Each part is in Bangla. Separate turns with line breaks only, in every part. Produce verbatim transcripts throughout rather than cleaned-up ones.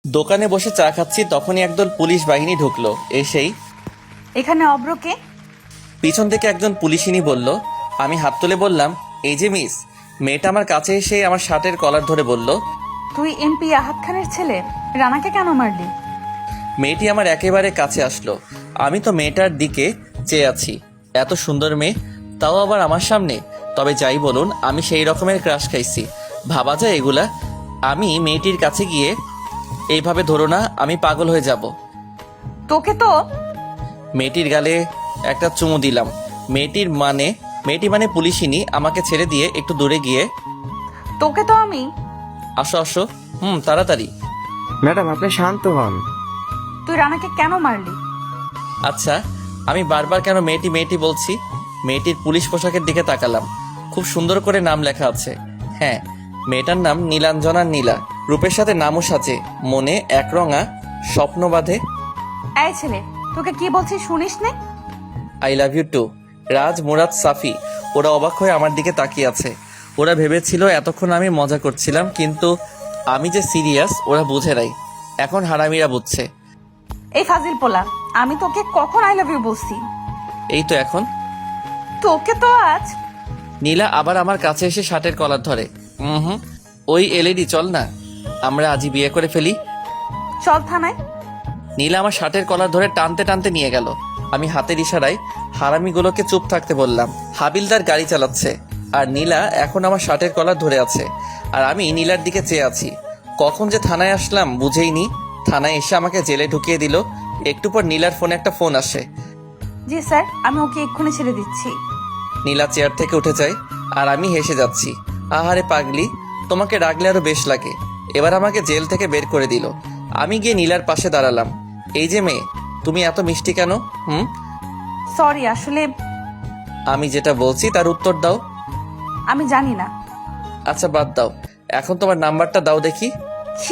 দোকানে বসে চা খাচ্ছি, তখনই একদল পুলিশ বাহিনী ঢুকলো। এসেই
এখানে অব্রকে।
পিছন থেকে একজন পুলিশিনী বলল। আমি হাত তুলে বললাম, এই যে মিস। মেয়েটা আমার কাছে এসে আমার শার্টের কলার ধরে বলল,
তুই এমপি আহাদ খানের ছেলে, রানাকে কেন মারলি?
মেয়েটি আমার একেবারে কাছে আসলো। আমি তো মেয়েটার দিকে চেয়ে আছি। এত সুন্দর মেয়ে, তাও আবার আমার সামনে। তবে যাই বলুন, আমি সেই রকমের ক্রাশ খাইছি, ভাবা যায় এগুলা? আমি মেয়েটির কাছে গিয়ে, এইভাবে ধরো না, আমি পাগল হয়ে যাব।
তোকে তো।
মেয়েটির গালে একটা চুমু দিলাম। মেয়েটির মানে মেয়েটি মানে পুলিশিনী আমাকে ছেড়ে দিয়ে একটু দূরে গিয়ে,
তোকে তো আমি।
আসো আসো, হুম তাড়াতাড়ি।
ম্যাডাম আপনি শান্ত হন।
তুই রানাকে কেন মারলি?
আচ্ছা, আমি বারবার কেন মেয়েটি মেয়েটি বলছি? মেয়েটির পুলিশ পোশাকের দিকে তাকালাম। খুব সুন্দর করে নাম লেখা আছে। হ্যাঁ, মেয়েটার নাম নীলাঞ্জনা নীলা। রূপের সাথে নামও সাজে, মনে একরঙা স্বপ্ন বাঁধে।
এই ছেলে, তোকে কি বলছি শুনিস নে?
I love you too. Raj, Murad, Safi ওরা অবাক হয়ে আমার দিকে তাকিয়ে আছে। ওরা ভেবেছিল এতক্ষণ আমি মজা করছিলাম, কিন্তু আমি যে সিরিয়াস ওরা বুঝে নাই। এখন হারামিরা বুঝছে।
এই ফাজিল পোলা, আমি তোকে কখন আই লাভ ইউ বলছি?
এই তো এখন।
তোকে তো আজ।
নীলা আবার আমার কাছে এসে শার্টের কলার ধরে। হুম হুম ওই এলইডি, চল না আমরা আজই বিয়ে করে ফেলি।
চল থানায়।
নীলা আমার শার্টের কলার ধরে টানতে টানতে নিয়ে গেল। আমি হাতের ইশারায় হারামিগুলোকে চুপ থাকতে বললাম। হাবিলদার গাড়ি চালাচ্ছে, আর নীলা এখন আমার শার্টের কলার ধরে আছে, আর আমি নীলার দিকে চেয়ে আছি। কখন যে থানায় আসলাম বুঝেই নি। থানায় এসে আমাকে জেলে ঢুকিয়ে দিল। একটু পর নীলার ফোনে একটা ফোন আসে।
জি স্যার, আমি ওকে এক্ষুনি ছেড়ে দিচ্ছি।
নীলা চেয়ার থেকে উঠে যায়, আর আমি হেসে যাচ্ছি। আহারে পাগলি, তোমাকে রাগলে আরো বেশ লাগে। এবার আমাকে জেল থেকে বের করে দিল। আমি গিয়ে নীলার পাশে দাঁড়ালাম। এই যে মেয়ে, তুমি এত মিষ্টি কেন? হুম
সরি, আসলে
আমি যেটা বলছি তার উত্তর দাও।
আমি জানি না।
আচ্ছা বাদ দাও, এখন তোমার নাম্বারটা দাও দেখি।
কি?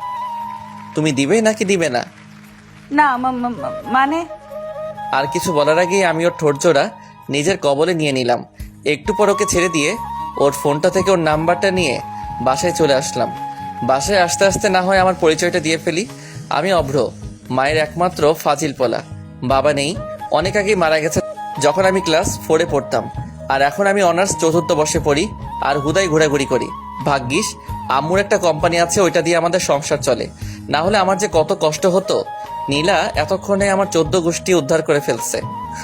তুমি দিবে নাকি দিবে না?
না মা- মা- মা- মানে
আর কিছু বলার আগেই আমি ওর ঠোঁটজোড়া নিজের কবলে নিয়ে নিলাম। একটু পর ওকে ছেড়ে দিয়ে ওর ফোনটা থেকে ওর নাম্বারটা নিয়ে বাসায় চলে আসলাম। বাসায় আসতে আসতে না হয় আমার পরিচয়টা দিয়ে ফেলি। আমি অভ্র, মায়ের একমাত্র ফাজিল পোলা। বাবা নেই, অনেক আগেই মারা গেছে যখন আমি ক্লাস ফোরে পড়তাম। আর এখন আমি অনার্স চতুর্থ বর্ষে পড়ি, আর হুদাই ঘোরাঘুরি করি। ভাগ্যিস আম্মুর একটা কোম্পানি আছে, ওইটা দিয়ে আমাদের সংসার চলে। না হলে আমার যে কত কষ্ট হতো। নীলা এতক্ষণে আমার চোদ্দ গোষ্ঠী উদ্ধার করে ফেলছে।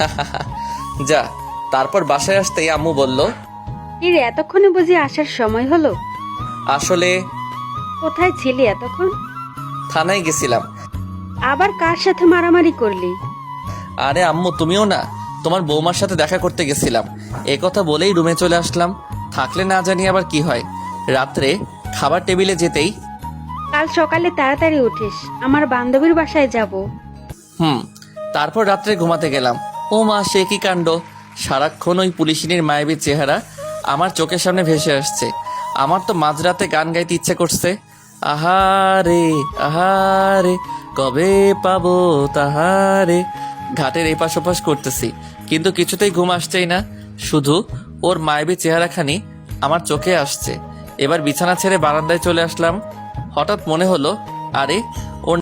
যা। তারপর বাসায় আসতেই আম্মু বলল,
এর এতক্ষণে বুঝি আসার সময় হলো?
আসলে
কোথায় ছিলি এতক্ষণ?
থানায় গেছিলাম।
আবার কার সাথে মারামারি করলি?
আরে আম্মু তুমিও না, তোমার বৌমার সাথে দেখা করতে গেছিলাম। এ কথা বলেই রুমে চলে আসলাম। থাকলে না জানি আবার কি হয়। রাত্রে খাবার টেবিলে যেতেই,
কাল সকালে তাড়াতাড়ি উঠিস, আমার বান্ধবীর বাসায় যাব।
হুম তারপর রাত্রে ঘুমাতে গেলাম। ও মা, সে কি কাণ্ড! সারাক্ষণ ওই পুলিশিনীর মায়াবী চেহারা আমার চোখের সামনে ভেসে আসছে। আমার তো মাঝরাতে গান গাইতে ইচ্ছে করছে। আহারে আহারে, কবে পাবো তাহারে। ঘাটের এপাশ ওপাশ করতেছি, কিন্তু কিছুতেই ঘুম আসছেই না। শুধু ওর মায়াবী চেহারাখানি আমার চোখে আসছে। এবার বিছানা ছেড়ে বারান্দায় চলে আসলাম। হঠাৎ মনে হলো, আরে ওর